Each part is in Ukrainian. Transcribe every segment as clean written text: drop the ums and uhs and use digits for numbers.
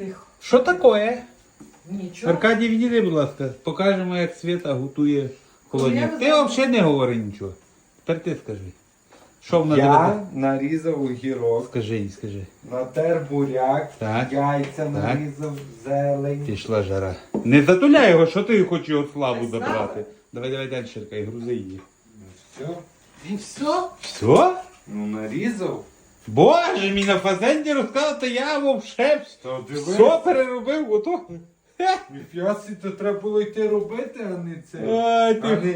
Тихо. Що таке? Нічого. Аркадій, відійди, будь ласка, покажемо, як Свята готує холодняк. Ну, Ти я взагалі не говори нічого. Тепер ти скажи. Що вона Я тебе? нарізав огірок, Скажи їй, скажи. натер буряк, Так. яйця нарізав, зелень. Пішла жара. Не затуляй його, що ти хочеш його славу Ай, слава. забрати. Давай далі, Ширкай, грузи її. Все. І все? Все? Ну нарізав. Боже, мій на фазенді розказав, то я вовше То все переробив, ото. Хе. Ніфіасі, то треба було йти робити, а не це. Ай, А ти не...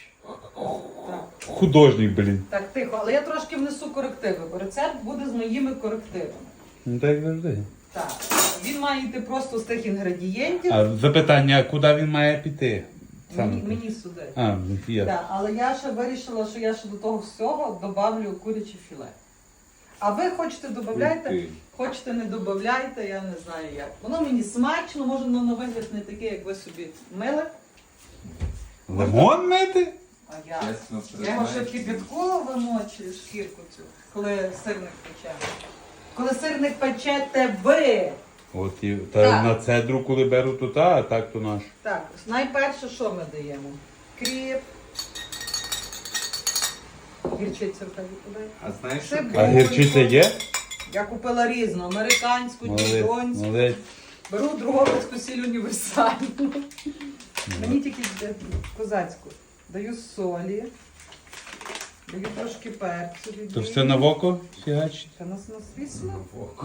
художник, блін. Так, тихо, але я трошки внесу корективи, бо рецепт буде з моїми корективами. Ну так завжди. Так, він має йти просто з тих інгредієнтів. А запитання, куди він має піти? Мені сюди. А, я. Так, але я ще вирішила, що я ще до того всього добавлю куряче філе. А ви хочете додавайте, Ух ти. хочете не додавайте, я не знаю як. Воно мені смачно, може воно на вигляд не таке, як ви собі мили. Лимон мити? А я. Чесно, Я його ще признаюсь. кипяткова вимочую, шкірку цю, коли сирник пече. Коли сирник печете ви. От і Так. та на цедру, коли беру, то та, а так то наш. Так, найперше, що ми даємо? Кріп. Гірчицю в тебе подай. А знаєш, що Це А гірчиця є? Я купила різну, американську, дідонську. молодець. Беру Дрогобицьку сіль універсальну. Мені тільки козацьку. Даю солі. Даю трошки перцю. То все на воко фігач? Це нас звісно. Ох.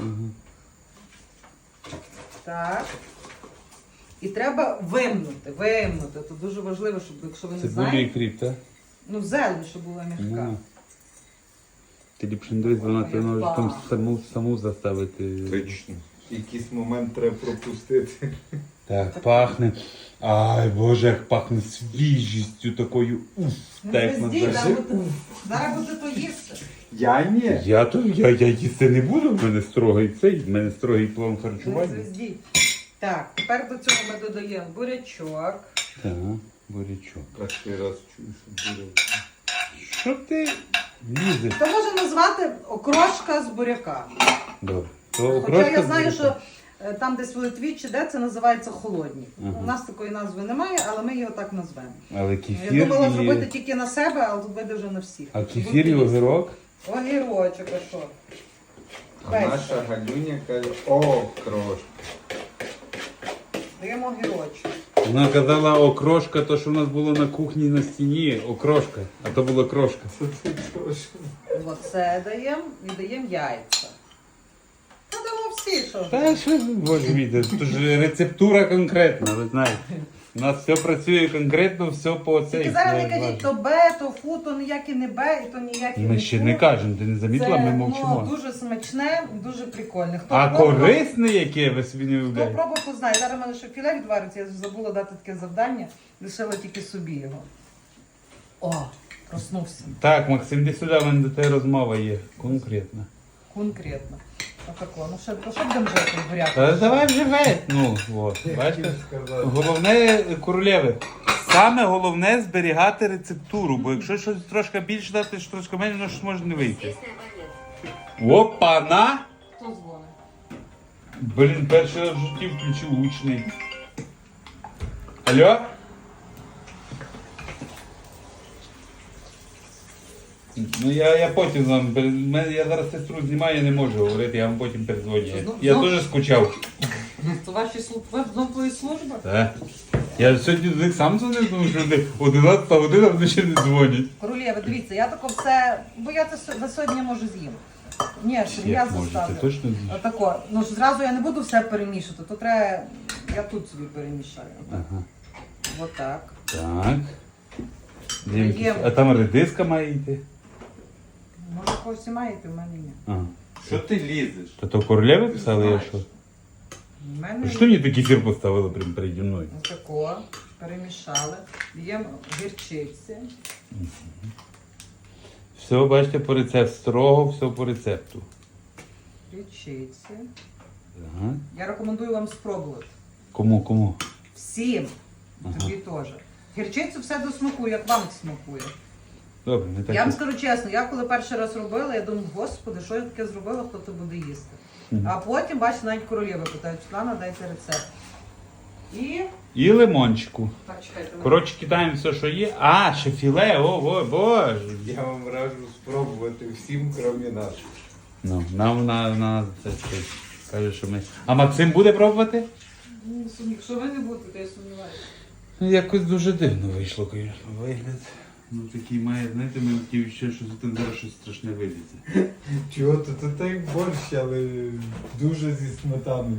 Так. І треба вимнути. Це дуже важливо, щоб, якщо ви не Цибулю і знаєте, кріп, так? ну зелень, щоб була м'яка. Ну. Ти ліпше не дивись, вона тебе може там саму заставити. Точно. Якийсь момент треба пропустити. Так, пахне. Ай, боже, як пахне свіжістю такою. Уф, Ну, так як звезді, називається. зараз буде то їсти. Я ні. Я їсти не буду, в мене в мене строгий план Не харчування. звезді. Так, тепер до цього ми додаємо бурячок. Так, бурячок. Перший раз чую, що буде. Що ти лізеш? То можна назвати окрошка з буряка. Добре. То Хоча окрошка я з знаю, бурячком. що там десь в Литві чи де це називається холодні. Ага. У нас такої назви немає, але ми його так назвемо. Але Я кефір думала і... зробити тільки на себе, але тут вийде вже на всіх. А кефір і огірок? Огірочок, а що? А Пець. наша Галюня каже, о, крошка. Даємо огірочок. Вона казала окрошка, то що в нас було на кухні на стіні, окрошка, а то була крошка. Оце даємо і даємо яйця. Ну, дамо всі, що ж. Та що, боже мій, це ж рецептура конкретна, ви знаєте. У нас все працює конкретно, все по цей. Тільки зараз не кажіть, то Б, то фу, то ніяке не Б, і то ніяке не Ми ще фу. не кажемо, ти не замітила, ми Це мовчимо. дуже смачне, дуже прикольне. Хто А пробував- корисне яке, ви собі не Хто уявляєте? пробував, то знає. Зараз в мене ще філе відвариться, я забула дати таке завдання, лишила тільки собі його. О, проснувся. Так, Максим, де сюди, в мене до тебе розмова є, конкретна. Конкретно. Отако. Ну що будемо жити в буряку? Та давай вже весь. Ну, от, бачите? Головне, королеви, саме головне зберігати рецептуру, бо якщо щось трошки більше дати, що трошки менше, воно щось може не вийти. Опа-на! Хто дзвонить? Блін, перший раз в житті включив гучний. Алло? Ну я потім вам, я зараз сестру знімаю, я не можу говорити, я вам потім передзвоню. Я дуже скучав. Це ваші служби? Знов твої служби? Так. Я сьогодні до них сам дзвонив, тому що вони 11 година вони ще не дзвонять. Королєва, дивіться, я тако все, бо я це на сьогодні можу з'їм. Ні, я Як може, ти заставлю. точно з'їш? Отако. Ну ж зразу я не буду все перемішувати, то треба, я тут собі перемішаю. Ага. Отак. Так. Дивимося. Є. А там редиска має йти? Може когось і маєте, в мене ні. Ага. Що ти лізеш? Та то королеви писали, я що? В мене А що мені такий фір поставили прямо переді мною? отако. Перемішали. Даємо гірчиці. Все, бачите, по рецепту. Строго все по рецепту. Гірчиці. Ага. Я рекомендую вам спробувати. Кому? Всім. Тобі теж. Гірчицю все до смаку, як вам смакує. Добре, не так. Я вам скажу чесно, я коли перший раз робила, я думаю, господи, що я таке зробила, хто це буде їсти. А потім, бачите, навіть королеви питають, Світлана, дайте рецепт. І... лимончику. Так, чекайте. Коротше, кидаємо все, що є. А, ще філе, о, боже. Я вам раджу спробувати всім, крім нас. Ну, нам це щось каже, що ми. А Максим буде пробувати? Якщо ви не будете, то я сумніваюся. Ну, якось дуже дивно вийшло, звісно. Вигляд. Ну такий має, знаєте, ми хотів ще щось там зараз щось страшне вилізе. Чого то це так борщ, але дуже зі сметаною.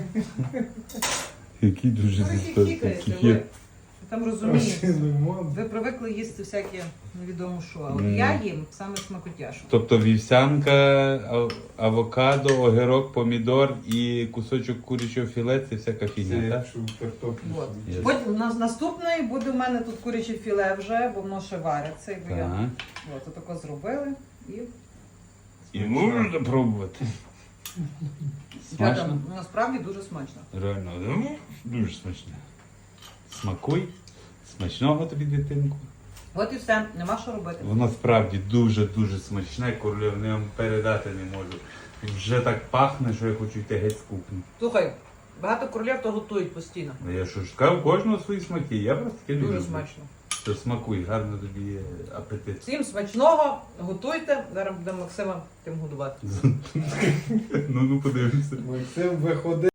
Який дуже Ви хіхікаєте, зістосний. ви там розумієте. Лимон. Ви привикли їсти всяке невідомо що, а от Ну. я їм саме смакотяшу. Тобто вівсянка, авокадо, огірок, помідор і кусочок курячого філе це всяка фігня, Це так? якщо картоплю. От. Є. Потім наступний буде в мене тут куряче філе вже, бо воно ще вариться. Якби я Так. от тако зробили і І можна пробувати. дівчата, Смачно? насправді дуже смачно. Реально, дуже смачно. Смакуй. Смачного тобі, дитинку. От і все, нема що робити. Воно справді дуже-дуже смачне, королів, я вам передати не можу. Вже так пахне, що я хочу йти геть з кухні. Слухай, багато королів то готують постійно. Ну, я що ж сказав, у кожного свої смаки. Я просто таке люблю. Дуже смачно. То смакуй, гарно тобі апетит. Всім смачного, готуйте. Зараз будемо Максима тим годувати. Ну подивимося. Максим, виходи.